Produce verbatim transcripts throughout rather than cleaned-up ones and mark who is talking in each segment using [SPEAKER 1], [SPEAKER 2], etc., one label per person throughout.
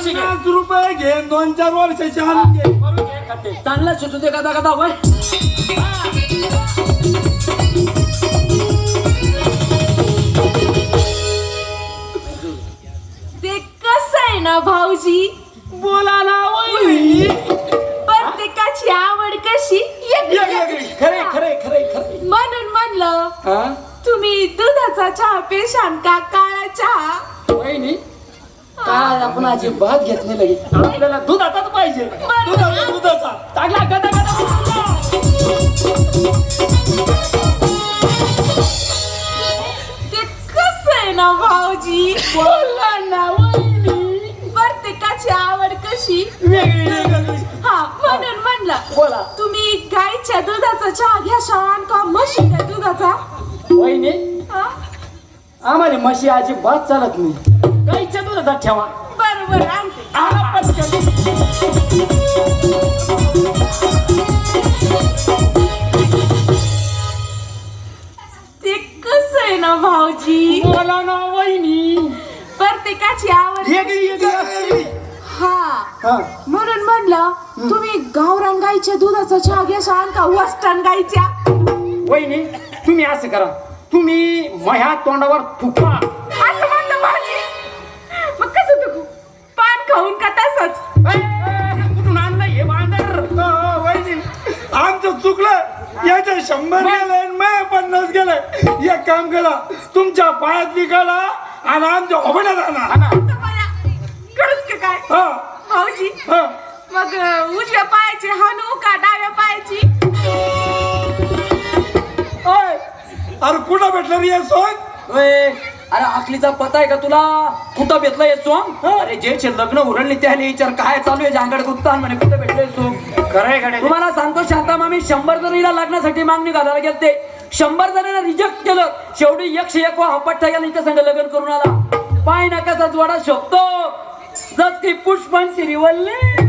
[SPEAKER 1] कशी घे
[SPEAKER 2] पन्नास रुपये घे दोन चार वर्षाची आणून घे
[SPEAKER 1] करून घे खाते चांगला शिजू दे कदा कदा होय
[SPEAKER 3] ते कसं आहे ना भाऊजी
[SPEAKER 2] बोला ना वहिनी
[SPEAKER 3] प्रत्येकाची आवड कशी वेगळी.
[SPEAKER 1] खरे खरे खरे खरे
[SPEAKER 3] म्हणून म्हणलं
[SPEAKER 1] हा
[SPEAKER 3] तुम्ही दुधाचा चहा पेशान का काळा चहा
[SPEAKER 1] वहिनी काय आपण अजिबात घेत नाही लगे आपल्याला दूध आताच पाहिजे
[SPEAKER 2] दुधाचा दुधाचा
[SPEAKER 1] चांगला गदा गदा
[SPEAKER 3] ते कसं आहे ना भाऊजी
[SPEAKER 1] बोला ना वहिनी
[SPEAKER 3] प्रत्येकाची आवड कशी
[SPEAKER 2] वेगळी वेगळी
[SPEAKER 3] हा म्हणून म्हणलं
[SPEAKER 1] बोला
[SPEAKER 3] तुम्ही गाईच्या दुधाचा चहा घ्या शान का म्हशीच्या दुधाचा
[SPEAKER 1] वहिनी
[SPEAKER 3] हा?
[SPEAKER 1] आम्हाला म्हशी अजिबात चालत नाही गाईच्या दुधाचा ठेवा
[SPEAKER 3] बरोबर आणते
[SPEAKER 1] आला पटकन.
[SPEAKER 3] ते कसं आहे ना भाऊजी
[SPEAKER 1] बोला ना वहिनी
[SPEAKER 3] प्रत्येकाची आवड
[SPEAKER 2] वेगळी वेगळी
[SPEAKER 3] हा
[SPEAKER 1] हा
[SPEAKER 3] म्हणून म्हणलं तुम्ही गावरान गाईच्या दुधाचा चहा घ्या शान का वस्टर्न गाईच्या
[SPEAKER 1] वहिनी तुम्ही असं करा तुम्ही माझ्या तोंडावर थुका
[SPEAKER 3] असं म्हणलं भाऊजी मग कसं तू पान खाऊन का तसंच
[SPEAKER 1] ए, ए, कुठून आणलं हे बांधर
[SPEAKER 2] वहिनी आमचं चुकलं याच्या शंभर गेलंय मी पन्नास गेलंय एक काम करा तुमच्या पायात विकाला आणि आमच्या होबण्यात आणा
[SPEAKER 3] खरंच का काय
[SPEAKER 2] हा
[SPEAKER 3] भाऊजी
[SPEAKER 2] हा
[SPEAKER 3] मग अं, उजव्या पायाची हानू का डाव्या पायाची
[SPEAKER 2] ओय, अरे कुठं भेटलं रे हे सोंग
[SPEAKER 1] अरे आखलीचा पता आहे का तुला कुठं भेटलं हे सोंग अरे जे लग्न उरळले त्याने विचार काय चालू आहे जांगड गुप्तान म्हणे कुठं भेटलंय सोंग
[SPEAKER 2] खरंय खरंय
[SPEAKER 1] तुम्हाला सांगतो शांता मामी शंभर जणीला लग्नासाठी मागणी घालायला गेलते शंभर जणांना रिजेक्ट केलं शेवटी एकशे एक वा हपट्टा गेला इथं संग लग्न करून आला पाय नकाचा जोडा शोभतो जस की पुष्पांची रिवल्ले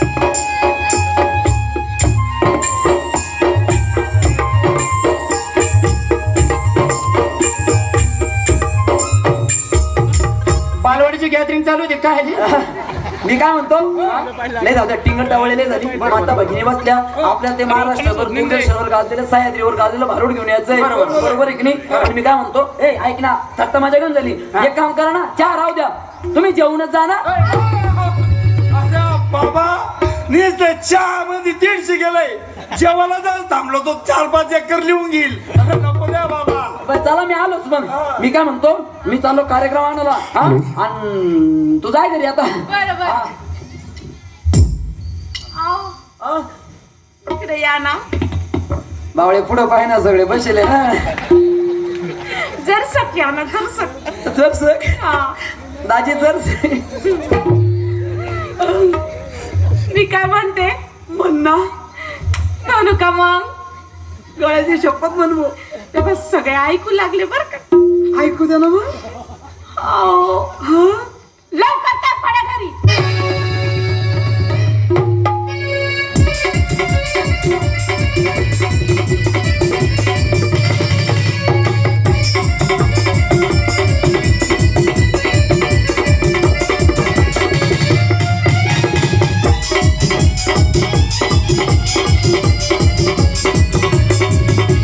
[SPEAKER 2] बालवाडीची गॅदरिंग चालू होती काय
[SPEAKER 1] मी काय म्हणतो नाही जाऊ द्या टिंगल टावळलेले झाली माता भगिनी बसल्या आपल्या ते महाराष्ट्रावर मुंडेश्वरवर गाजलेलं सह्याद्रीवर गाजलेलं भारूड घेऊन यायचंय बरोबर आहे की नाही आणि मी काय म्हणतो ए ऐक ना थट्टा माझ्या घेऊन झाली एक काम करा ना चहा राहू द्या तुम्ही जेवणच जा ना
[SPEAKER 2] बाबा नुसतं चहा मध्ये दीडशे गेलंय जेवायला जायला थांबलो तो चार पाच एकर लिहून घेईल नको द्या बाबा
[SPEAKER 1] बरं चला मी आलोच मग मी काय म्हणतो मी चाललो कार्यक्रम आणायला हा आणि तू जाय घरी आता
[SPEAKER 3] बरोबर
[SPEAKER 1] हा.
[SPEAKER 3] आओ,
[SPEAKER 1] हा.
[SPEAKER 3] इकडे या ना
[SPEAKER 1] बावळे पुढं पाहि ना सगळे बसले ना
[SPEAKER 3] जर सक या ना जर सक
[SPEAKER 1] जर सर
[SPEAKER 3] हा
[SPEAKER 1] दाजी जर
[SPEAKER 3] मी काय म्हणते
[SPEAKER 1] म्हण ना
[SPEAKER 3] म्हणू का मग
[SPEAKER 1] गळ्याची शपथ म्हणू
[SPEAKER 3] तेव्हा सगळे ऐकू लागले बर का
[SPEAKER 1] ऐकू द्या ना मग
[SPEAKER 3] आओ,
[SPEAKER 1] हा